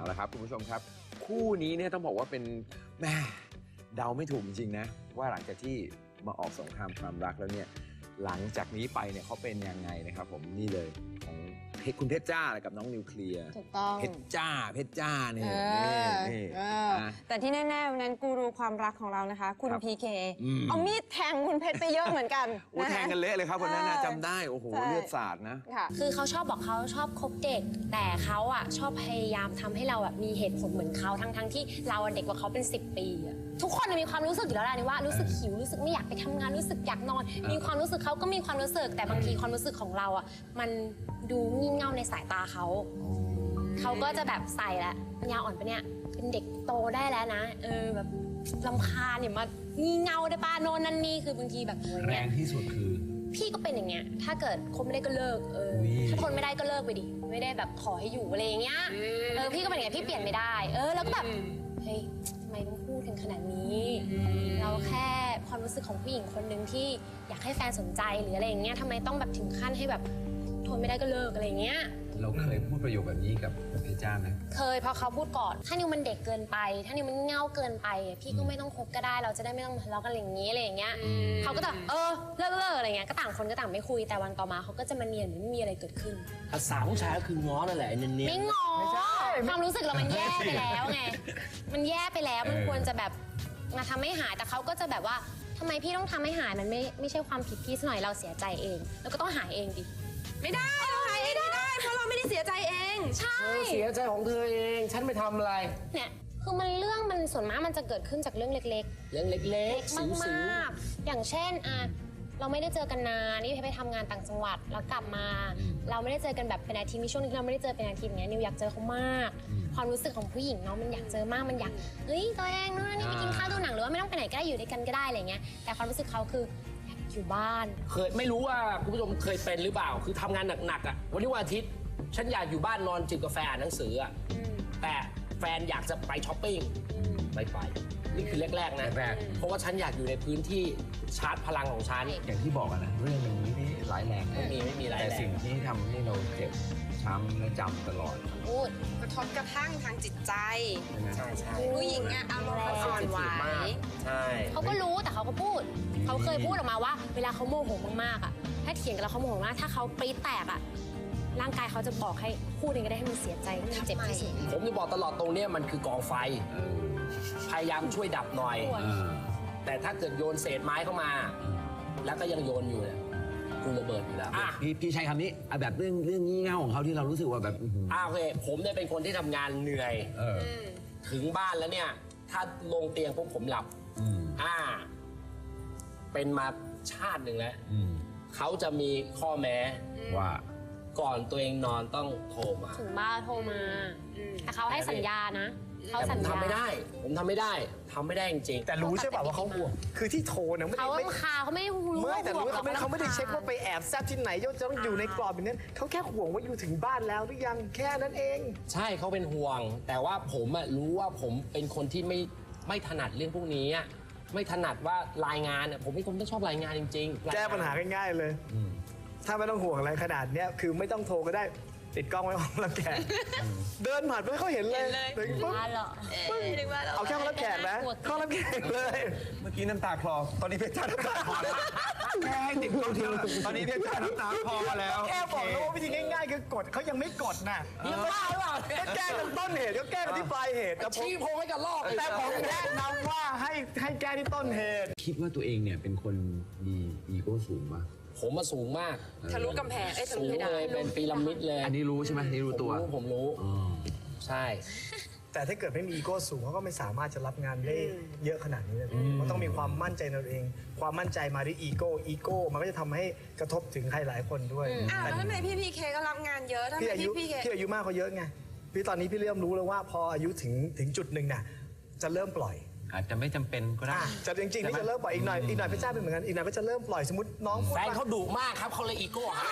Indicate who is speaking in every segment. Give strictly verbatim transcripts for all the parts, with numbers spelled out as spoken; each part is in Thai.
Speaker 1: ละครับคุณผู้ชมครับคู่นี้เนี่ยต้องบอกว่าเป็นแม่เดาไม่ถูกจริงๆนะว่าหลังจากที่มาออกสงครามความรักแล้วเนี่ยหลังจากนี้ไปเนี่ยเขาเป็นยังไงนะครับผมนี่เลยของคุณเพชรจ้ากับน้องนิวเคลียร์
Speaker 2: ถูกต้อง
Speaker 1: เพชรจ้าเพชรจ้าเนี่ยนี่
Speaker 2: แต่ที่แน่ๆวันนั้นกูรูความรักของเรานะคะคุณพีเคเอามีดแทงคุณเพชรไปเยอะเหมือนกัน
Speaker 1: โอ้แทงกันเละเลยครับคนนั้นจำได้โอ้โหเลือดสาดนะ
Speaker 3: คือเขาชอบบอกเขาชอบคบเด็กแต่เขาอ่ะชอบพยายามทำให้เราแบบมีเหตุผลเหมือนเขาทั้งๆที่เราเด็กกว่าเขาเป็นสิบปีอะทุกคนมีความรู้สึกอยู่แล้วแหละว่ารู้สึกหิวรู้สึกไม่อยากไปทำงานรู้สึกอยากนอนมีความรู้สึกเขาก็มีความรู้สึกแต่บางทีความรู้สึกของเราอ่ะมันดูงี่เง่าในสายตาเขาเขาก็จะแบบใส่ละปัญญาอ่อนปะเนี่ยเป็นเด็กโตได้แล้วนะเออแบบรำคาญเนี่ยมางี่เง่าได้ป้าโน่นนั่นนี่คือบางทีแบบ
Speaker 4: แรงที่สุดคือ
Speaker 3: พี่ก็เป็นอย่างเงี้ยถ้าเกิดคนไม่ได้ก็เลิกเออถ้าทนไม่ได้ก็เลิกไปดิไม่ได้แบบขอให้อยู่อะไรอย่างเงี้ยเออพี่ก็เป็นอย่างเงี้ยพี่เปลี่ยนไม่ได้เออแล้วก็แบบเฮ้ยทำไมต้องพูดถึงขนาดนี้เราแค่ความรู้สึกของผู้หญิงคนหนึ่งที่อยากให้แฟนสนใจหรืออะไรอย่างเงี้ยทำไมต้องแบบถึงขั้นให้แบบทนไม่ได้ก็เลิกอะไรอย่างเงี้ย
Speaker 4: เราเคยพูดประโยคแบบนี้กับเพชรจ้าไหม
Speaker 3: เคยเพราะเขาพูดก่อนถ้านิวมันเด็กเกินไปถ้านิวมันเง่าเกินไปพี่ก็ไม่ต้องคบก็ได้เราจะได้ไม่ต้องทะเลาะกันอย่างนี้อะไรอย่างเงี้ยเขาก็จะเออเลิกเลิกอะไรเงี้ยก็ต่างคนก็ต่างไม่คุยแต่วันต่อมาเขาก็จะมาเนียนเหมือนไม่มีอะไรเกิดขึ้น
Speaker 5: ภาษาผู้ชายก็คือง้อนั่นแหละเนียน
Speaker 3: ไม่ง้อความรู้สึกเรามันแย่ไปแล้วไงมันแย่ไปแล้วมันควรจะแบบมาทำให้หายแต่เขาก็จะแบบว่าทำไมพี่ต้องทำให้หายมันไม่ไม่ใช่ความผิดพี่ซะหน่อยเราเสียใจเองแล้วก็ต้องหายเองดิ
Speaker 2: ไม่ได้เราหายเองไม่ได้เพราะเราไม่ได้เสียใจเอง
Speaker 3: ใช่
Speaker 5: เธอเสียใจของเธอเองฉันไม่ทำอะไร
Speaker 3: เนี่ยคือมันเรื่องมันส่วนมากมันจะเกิดขึ้นจากเรื่องเล็กๆ
Speaker 5: เรื่องเล็กๆ
Speaker 3: มากๆอย่างเช่นอ่ะเราไม่ได้เจอกันนานนี่ไปทำงานต่างจังหวัดแล้วกลับมาเราไม่ได้เจอกันแบบเป็นอาทิตย์มีช่วงนึงเราไม่ได้เจอเป็นอาทิตย์อย่างเงี้ยนิวอยากเจอเขามากความรู้สึกของผู้หญิงเนาะมันอยากเจอมากมันอยากเฮ้ยตัวเองนู่นนี่ไปกินข้าวดูหนังหรือว่าไม่ต้องไปไหนก็ได้อยู่ด้วยกันก็ได้อะไรเงี้ยแต่ความรู้สึกเขาคืออยู่บ้าน
Speaker 5: เคยไม่รู้ว่าคุณผู้ชมเคยเป็นหรือเปล่าคือทำงานหนักๆอ่ะวันนี้วันอาทิตย์ฉันอยากอยู่บ้านนอนจิบกาแฟอ่านหนังสืออ่ะแต่แฟนอยากจะไปช้อปปิ้งไม่ไปนี่คือแรกๆนะ
Speaker 4: แรก
Speaker 5: เพราะว่าฉันอยากอยู่ในพื้นที่ชาร์จพลังของฉัน
Speaker 4: อย่างที่บอกนะเรื่องมันไม่ได้ร้ายแรง
Speaker 5: ไม่มีไม่มีร้ายแรง
Speaker 4: แต่สิ่งที่ทำให้เราเจ็บช้ำและจำตลอด
Speaker 2: พูดกระทบกระทั่งทางจิตใจ
Speaker 5: ใช่ใช่
Speaker 2: ผู้หญิงอะอารมณ์อ่อนไหว
Speaker 5: ใช่
Speaker 3: เขาก็รู้แต่เขาก็พูดเขาเคยพูดออกมาว่าเวลาเขาโมโหมากๆอ่ะถ้าเถียงกันแล้วเขาโมโหมากถ้าเขาปรี๊ดแตกอ่ะร่างกายเขาจะบอกให้พูดเองก็ได้ให้มันเสียใจให้มันเจ็บที่สุด
Speaker 5: ผมจะบอกตลอดตรงนี้มันคือกองไฟพยายามช่วยดับหน่อยแต่ถ้าเกิดโยนเศษไม้เข้ามาแล้วก็ยังโยนอยู่เนี่ยกูระเบิดอยู่แล้ว
Speaker 4: พี่พี่ใช้คำนี้แบบเรื่องเรื่องงี่เง่าของเขาที่เรารู้สึกว่าแบบ
Speaker 5: อ่าโอเคผมเนี่ยเป็นคนที่ทำงานเหนื่อยถึงบ้านแล้วเนี่ยถ้าลงเตียงปุ๊บผมหลับอ่าเป็นมาชาติหนึ่งแล้วเขาจะมีข้อแม้
Speaker 4: ว่า
Speaker 5: ก่อนตัวเองนอนต้องโทรมา
Speaker 3: ถึงบ้านโทรมาแต่เขาให้สัญญานะเขาสัญญา
Speaker 5: ทำไม่ได้ผมทำไม่ได้ทำไม่ได้จริงๆ
Speaker 6: แต่รู้ใช่ป่ะว่าเขาห่วงคือที่โทรเนี่ยไม่ได้
Speaker 3: เขาคาเขาไม่รู้
Speaker 6: ไม่แต่รู้เขาไม่เขาไม่ได้เช็คว่าไปแอบแซบที่ไหนจะต้องอยู่ในกรอบแบบนั้นเขาแค่ห่วงว่าอยู่ถึงบ้านแล้วหรือยังแค่นั้นเอง
Speaker 5: ใช่เขาเป็นห่วงแต่ว่าผมอะรู้ว่าผมเป็นคนที่ไม่ไม่ถนัดเรื่องพวกนี้ไม่ถนัดว่ารายงานผมเป็นคนไม่ชอบรายงานจริง
Speaker 6: ๆแก้ปัญหาง่ายๆเลยถ้าไม่ต้องห่วงอะไรขนาดนี้คือไม่ต้องโทรก็ได้ติดกล้องไว้ห้องรับแขกเดินผ่านไปเขาเห็นเลยถึงปุ๊บเอาแค่ห้องรับแขกนะห้องรับแขกเลย
Speaker 4: เมื่อกี้น้ำตาคลอตอนนี้เพชรจ้าน้ำตาคลอแค่ให้ติดกล้องตอนนี้เพชรจ้าน้ำตาคลอแล้ว
Speaker 6: แค่บอกแล้วว่าวิธีง่ายๆคือกดเขายังไม่กดน่ะ
Speaker 5: ยังบ้าหรือเปล่า
Speaker 6: ก็แก้กันต้นเหตุก็แก้กันที่ปลายเหตุแต่
Speaker 5: ชี้โพงให้กันลอก
Speaker 6: แต่ผมแนะนำว่าให้ให้แก้ที่ต้นเหตุ
Speaker 4: คิดว่าตัวเองเนี่ยเป็นคนมีอีโก้สูงป่ะ
Speaker 5: ผมมาสูงมาก
Speaker 2: ทะลุกำแพงไอ้ทะลุ
Speaker 5: เลยเป็นพีระมิดเลย
Speaker 4: อันนี้รู้ใช่ไหมนี่รู้ตัว
Speaker 5: ผมรู้ใช่
Speaker 6: แต่ถ้าเกิดไม่มีอีโก้สูงเขาก็ไม่สามารถจะรับงานได้เยอะขนาดนี้เลยมันต้องมีความมั่นใจในตัวเองความมั่นใจมาด้วยอีโก้อีโก้มันก็จะทำให้กระทบถึงใครหลายคนด้วย
Speaker 2: อ้าวแล้วทำไมพี่พีเคก็รับงานเยอะทำไมพี่พีเค
Speaker 6: พี่อายุมากเขาเยอะไงพี่ตอนนี้พี่เริ่มรู้แล้วว่าพออายุถึงถึงจุดหนึ่งน่ะจะเริ่มปล่อย
Speaker 4: อาจจะไม่จำเป็นก็ได้
Speaker 6: จะจริงๆนี่จะเริ่มปล่อยอีกหน่อยอีกหน่อยพระเจ้าเป็นเหมือนกันอีกหน่อยก็จะเริ่มปล่อยสมมติน้อง
Speaker 5: แฟนเขาดุมากครับเขาเลยอีโก้หาย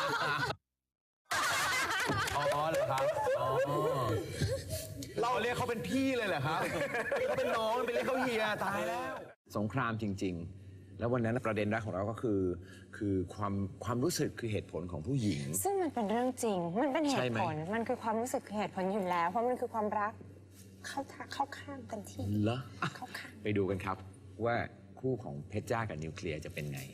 Speaker 4: อ๋อเหรอครับเราเรียกเขาเป็นพี่เลยเหรอครับเขาเป็นน้องเป็นเรียกเขาเฮียตายแล้วสงครามจริงๆ
Speaker 1: แล้ววันนั้นประเด็นรักของเราก็คือคือความความรู้สึกคือเหตุผลของผู้หญิง
Speaker 2: ซึ่งมันเป็นเรื่องจริง มันเป็นเห
Speaker 1: ใช่
Speaker 2: ตุ
Speaker 1: ไหม
Speaker 2: ผล มันคือความรู้สึกคือเหตุผลอยู่แล้ว เพราะมันคือความรักเข้าท่าเข้าข้างเต็มที่
Speaker 1: เหรออ่ะ
Speaker 2: เข้าข้าง
Speaker 1: ไปดูกันครับว่าคู่ของเพชรจ้ากับนิวเคลียร์จะเป็นไง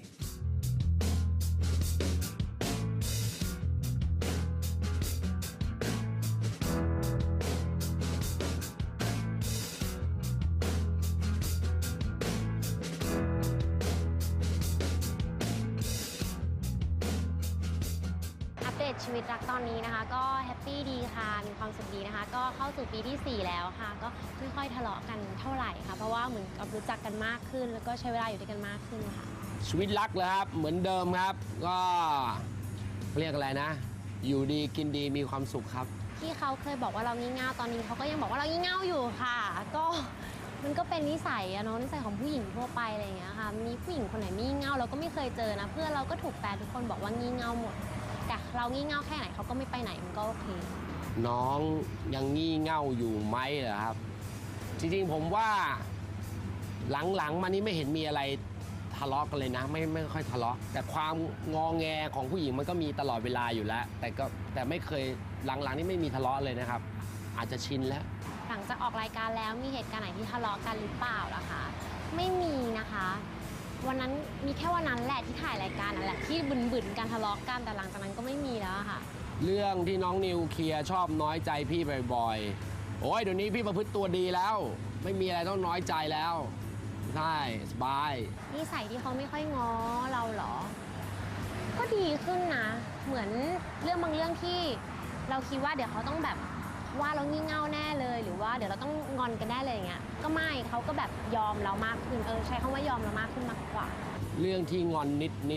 Speaker 3: อัปเดตชีวิตรักตอนนี้นะคะ ก็แฮปปี้ดีค่ะมีความสุขดีนะคะ ก็เข้าสู่ปีที่สี่แล้วค่ะ ก็ไม่ค่อยทะเลาะกันเท่าไหร่ค่ะเพราะว่าเหมือนกับรู้จักกันมากขึ้น แล้วก็ใช้เวลาอยู่ด้วยกันมากขึ้นค่ะ
Speaker 5: ชีวิตรักเลยครับ เหมือนเดิมครับ ก็เรียกอะไรนะ อยู่ดีกินดีมีความสุขครับ
Speaker 3: ที่เขาเคยบอกว่าเรางี่เง่าตอนนี้เขาก็ยังบอกว่าเรางี่เง่าอยู่ค่ะ ก็มันก็เป็นนิสัยอะเนาะนิสัยของผู้หญิงทั่วไปอะไรอย่างเงี้ยค่ะมีผู้หญิงคนไหนงี่เง่าเราก็ไม่เคยเจอนะเพื่อนเราก็ถูกแฟนทุกคนบอกว่างี่เง่าหมดแต่เรางี่เง่าแค่ไหนเขาก็ไม่ไปไหนมันก็โอเค
Speaker 5: น้องยังงี่เง่าอยู่ไหมเหรอครับ จริงๆผมว่าหลังๆมานี้ไม่เห็นมีอะไรทะเลาะกันเลยนะ ไม่ไม่ค่อยทะเลาะแต่ความงอแงของผู้หญิงมันก็มีตลอดเวลาอยู่แล้ว แต่ก็แต่ไม่เคยหลังๆนี่ไม่มีทะเลาะเลยนะครับ อาจจะชินแล้ว
Speaker 3: หลังจากออกรายการแล้วมีเหตุการณ์ไหนที่ทะเลาะกันหรือเปล่าล่ะคะไม่มีนะคะ วันนั้นมีแค่วันนั้นแหละที่ถ่ายรายการนั่นแหละที่บึนๆการทะเลาะกันแต่หลังจากนั้นก็ไม่มีแล้วอะค่ะ
Speaker 5: เรื่องที่น้องนิวเคลียร์ชอบน้อยใจพี่บ่อยๆโอ้ยเดี๋ยวนี้พี่ประพฤติตัวดีแล้ว ไม่มีอะไรต้องน้อยใจแล้วใช่สบาย
Speaker 3: นิสัยที่เขาไม่ค่อยง้อเราเหรอ ก็ดีขึ้นนะ เหมือนเรื่องบางเรื่องที่เราคิดว่าเดี๋ยวเขาต้องแบบว่าเรางี่เง่าแน่เลย หรือว่าเดี๋ยวเราต้องงอนกันได้เลยอย่างเงี้ย ก็ไม่เขาก็แบบยอมเรามากขึ้น เออใช้คำว่ายอมเรามากขึ้นมากกว่า
Speaker 5: เรื่องที่งอนนิดนิด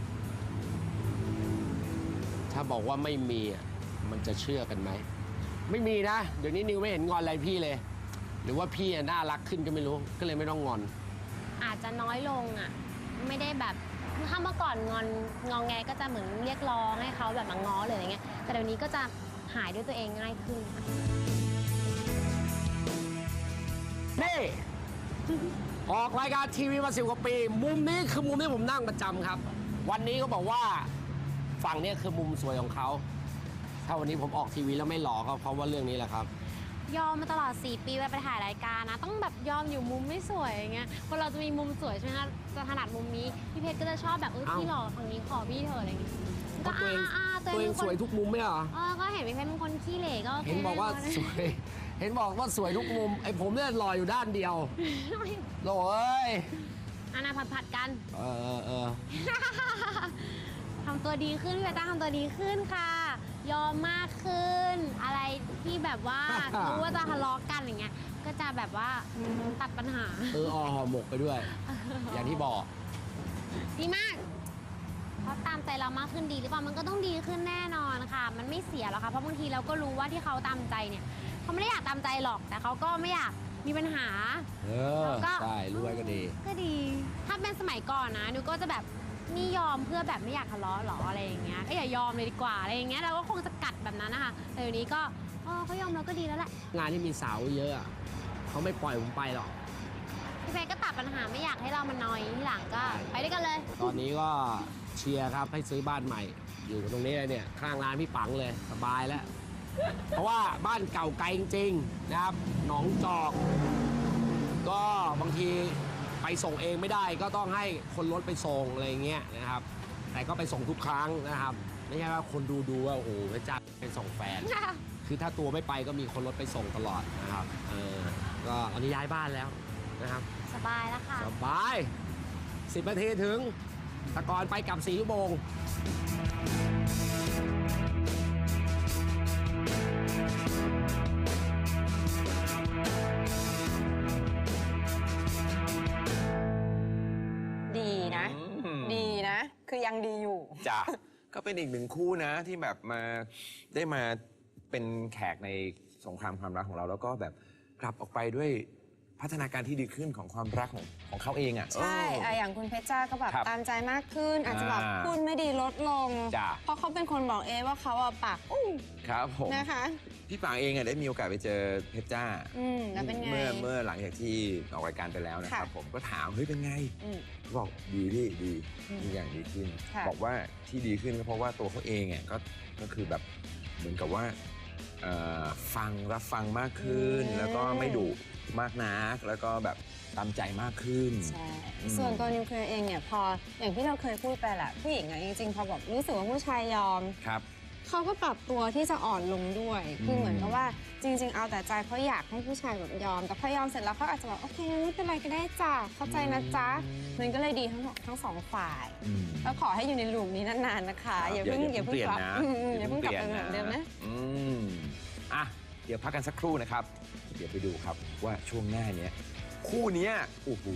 Speaker 5: ๆถ้าบอกว่าไม่มีอ่ะมันจะเชื่อกันไหม ไม่มีนะ เดี๋ยวนี้นิวไม่เห็นงอนอะไรพี่เลย หรือว่าพี่อ่ะน่ารักขึ้นก็ไม่รู้ ก็เลยไม่ต้องงอน
Speaker 3: อาจจะน้อยลงอ่ะ ไม่ได้แบบถ้าเมื่อก่อนงอนงองแงก็จะเหมือนเรียกร้องให้เขาแบบมาง้อหรืออะไรเงี้ย แต่เดี๋ยวนี้ก็จะหายด้วยตัวเองง่ายขึ้นค่ะ
Speaker 5: นี่ ออกรายการทีวีมาสิบกว่าปี มุมนี้คือมุมที่ผมนั่งประจำครับ วันนี้ก็บอกว่าฝั่งนี้คือมุมสวยของเขา ถ้าวันนี้ผมออกทีวีแล้วไม่หล่อก็เพราะว่าเรื่องนี้แหละครับ
Speaker 3: ยอมมาตลอดสี่ปีเวลาไปถ่ายรายการนะ ต้องแบบยอมอยู่มุมไม่สวยอย่างเงี้ยคนเราจะมีมุมสวยใช่ไหมคะจะถนัดมุมนี้พี่เพชรก็จะชอบแบบเออ
Speaker 5: เอ้า
Speaker 3: พี่หล่อฝั่งนี้ขอพี่เถอะอะไรอย่างเงี้ย
Speaker 5: เพราะตัวเอง
Speaker 3: อ่าๆ
Speaker 5: ตัวเอง
Speaker 3: ป็นคน
Speaker 5: สวยทุกมุมไม่เหรอ
Speaker 3: เออก็เห็นพี่เพชรเป็นคนขี้เหร่ก็โอเค
Speaker 5: เห็นบอกว่าสวย เห็นบอกว่าสวยทุกมุม ไอ้ผมเนี่ยหล่ออยู่ด้านเดียวโหเอ้ย
Speaker 3: อันน่ะผัดๆกัน
Speaker 5: เออเออเออ
Speaker 3: ทำตัวดีขึ้นพี่เพชรจ้าทำตัวดีขึ้นค่ะ ยอมมากขึ้น อะไรที่แบบว่า รู้ว่าจะทะเลาะกันอย่างเงี้ยก็จะแบบว่าตัดปัญหา
Speaker 5: เอออห่อหมกไปด้วย อย่างที่บอก
Speaker 3: ดีมากเขาตามใจเรามากขึ้นดีหรือเปล่ามันก็ต้องดีขึ้นแน่นอนค่ะ มันไม่เสียหรอกค่ะเพราะบางทีเราก็รู้ว่าที่เขาตามใจเนี่ยเขาไม่ได้อยากตามใจหรอก แต่เขาก็ไม่อยากมีปัญหา
Speaker 5: เออ
Speaker 3: แล้วก็
Speaker 5: ใช่รู้ไว้ก็ดี
Speaker 3: ก็ดี ถ้าเป็นสมัยก่อนนะนิวก็จะแบบนี่ยอมเพื่อแบบไม่อยากทะเลาะหรออะไรอย่างเงี้ยก็อย่ายอมเลยดีกว่าอะไรอย่างเงี้ยเราก็คงจะกัดแบบนั้นนะคะแต่เดี๋ยวนี้ก็เออเขายอมเราก็ดีแล้วแหละ
Speaker 5: งานที่มีสาวเยอะอะเขาไม่ปล่อยผมไปหรอก
Speaker 3: พี่เพชรก็ตัดปัญหาไม่อยากให้เรามันนอยที่หลังก็ไปด้วยกันเลย
Speaker 5: ตอนนี้ก็เชียร์ครับให้ซื้อบ้านใหม่ อยู่ตรงนี้เลยเนี่ยข้างร้านพี่ปังเลยสบายแล้ว เพราะว่าบ้านเก่าไกลจริงๆนะครับหนองจอก ก็บางทีไปส่งเองไม่ได้ก็ต้องให้คนรถไปส่งอะไรอย่างเงี้ยนะครับ แต่ก็ไปส่งทุกครั้งนะครับ ไม่ใช่ว่าคนดูดูว่าโอ้โหพระเจ้าไปส่งแฟน คือถ้าตัวไม่ไปก็มีคนรถไปส่งตลอดนะครับเออก็ตอนนี้ย้ายบ้านแล้วนะครับ
Speaker 3: สบายแล้วค่ะ
Speaker 5: สบายสิบนาทีถึงแตะกอนไปกลับสี่ชั่วโมง
Speaker 2: ดีนะ
Speaker 1: อืม
Speaker 2: ดีนะ คือยังดีอยู่
Speaker 1: จ้ะ ก็เป็นอีกหนึ่งคู่นะที่แบบมาได้มาเป็นแขกในสงครามความรักของเรา แล้วก็แบบกลับออกไปด้วยพัฒนาการที่ดีขึ้นของความรักของของเขาเองอ่ะ
Speaker 2: ใช่
Speaker 1: เออ
Speaker 2: อะอย่างคุณเพชรจ้าก็แบบ
Speaker 1: ครับ
Speaker 2: ตามใจมากขึ้น อาจจะแบบ
Speaker 1: อ่า
Speaker 2: พูดไม่ดีลดลง
Speaker 1: จ้ะ
Speaker 2: เพราะเขาเป็นคนบอกเองว่าเขาอะปากอู้
Speaker 1: ครับผม
Speaker 2: นะคะ
Speaker 1: พี่ปางเองอะได้มีโอกาสไปเจอเพชรจ้า
Speaker 2: อืมแล้วเป็นไง
Speaker 1: เมื่อเมื่อหลังจากที่ออกรายการไปแล้วนะครับ
Speaker 2: ค่ะ
Speaker 1: ผมก็ถามเฮ้ยเป็นไง
Speaker 2: อืม
Speaker 1: บอกดีพี่ดี
Speaker 2: อืม
Speaker 1: ทุกอย่างดีขึ้น
Speaker 2: ค่ะ
Speaker 1: บอกว่าที่ดีขึ้นก็เพราะว่าตัวเขาเองอ่ะก็ก็คือแบบเหมือนกับว่าเอ่อฟังรับฟังมากขึ้น แล้วก็ไม่ดุมากนักแล้วก็แบบตามใจมากขึ้น
Speaker 2: ใช่
Speaker 1: อืม
Speaker 2: ส่วนตัวนิวเคลียร์เองเนี่ยพออย่างที่เราเคยพูดไปแหละผู้หญิงอะจริงๆพอแบบรู้สึกว่าผู้ชายยอม
Speaker 1: ครับ
Speaker 2: เขาก็ปรับตัวที่จะอ่อนลงด้วย คือ
Speaker 1: ม
Speaker 2: เหมือนกับว่าจริง ๆ เอาแต่ใจเพราะอยากให้ผู้ชายแบบยอม แต่พอยอมเสร็จแล้วเขาอาจจะแบบโอเคไม่เป็นไรก็ได้จ้ะเข้าใจนะจ๊ะ มันก็เลยดีทั้งทั้งสองฝ่าย
Speaker 1: อืม
Speaker 2: แล้วขอให้อยู่ในลูปนี้นานๆนะคะ
Speaker 1: ครับ
Speaker 2: อย่าเพิ่งอย่าเพิ่ง
Speaker 1: เปลี่ยน
Speaker 2: กลับ
Speaker 1: นะ
Speaker 2: อืมอย่าเพิ่งกลับไปเหมือนเดิมนะ
Speaker 1: อืมอ่ะเดี๋ยวพักกันสักครู่นะครับ เดี๋ยวไปดูครับว่าช่วงหน้าเนี้ยคู่เนี้ยโอ้โห